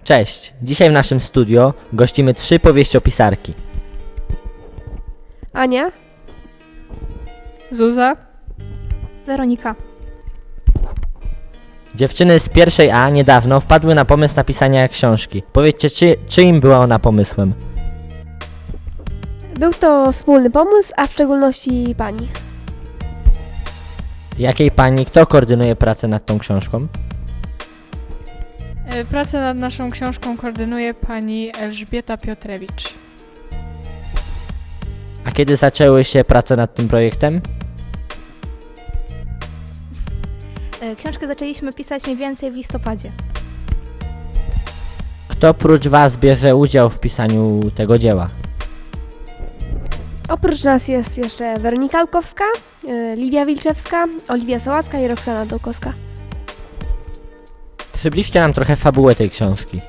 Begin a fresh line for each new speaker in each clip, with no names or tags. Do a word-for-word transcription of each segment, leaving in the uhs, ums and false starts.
Cześć! Dzisiaj w naszym studio gościmy trzy powieściopisarki.
Ania,
Zuza,
Weronika.
Dziewczyny z pierwszej A niedawno wpadły na pomysł napisania książki. Powiedzcie, czy, czyim była ona pomysłem?
Był to wspólny pomysł, a w szczególności pani.
Jakiej pani, kto koordynuje pracę nad tą książką?
E, Pracę nad naszą książką koordynuje pani Elżbieta Piotrewicz.
A kiedy zaczęły się prace nad tym projektem?
Książkę zaczęliśmy pisać mniej więcej w listopadzie.
Kto prócz was bierze udział w pisaniu tego dzieła?
Oprócz nas jest jeszcze Weronika Alkowska, y, Liwia Wilczewska, Oliwia Sałacka i Roxana Dołkowska.
Przybliżcie nam trochę fabułę tej książki.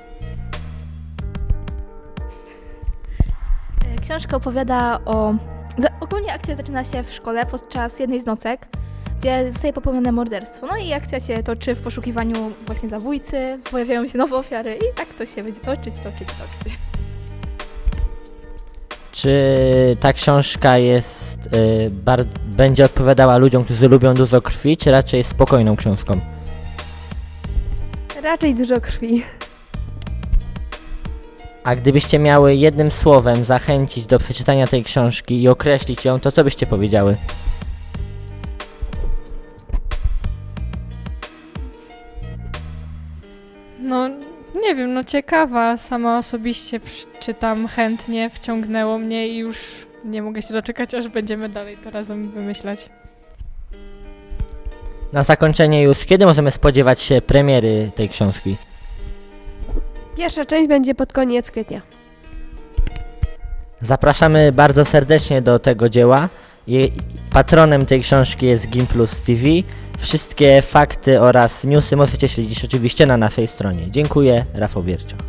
Książka opowiada o... za- Ogólnie akcja zaczyna się w szkole podczas jednej z nocek, gdzie zostaje popełnione morderstwo. No i akcja się toczy w poszukiwaniu właśnie zabójcy, pojawiają się nowe ofiary i tak to się będzie toczyć, toczyć, toczyć.
Czy ta książka jest, y, bar- będzie odpowiadała ludziom, którzy lubią dużo krwi, czy raczej jest spokojną książką?
Raczej dużo krwi.
A gdybyście miały jednym słowem zachęcić do przeczytania tej książki i określić ją, to co byście powiedziały?
No, nie wiem, no ciekawa, sama osobiście przy- czytam chętnie, wciągnęło mnie i już nie mogę się doczekać, aż będziemy dalej to razem wymyślać.
Na zakończenie już, kiedy możemy spodziewać się premiery tej książki?
Pierwsza część będzie pod koniec kwietnia.
Zapraszamy bardzo serdecznie do tego dzieła. Jej patronem tej książki jest Gimplus T V. Wszystkie fakty oraz newsy możecie śledzić oczywiście na naszej stronie. Dziękuję, Rafał Wiercioch.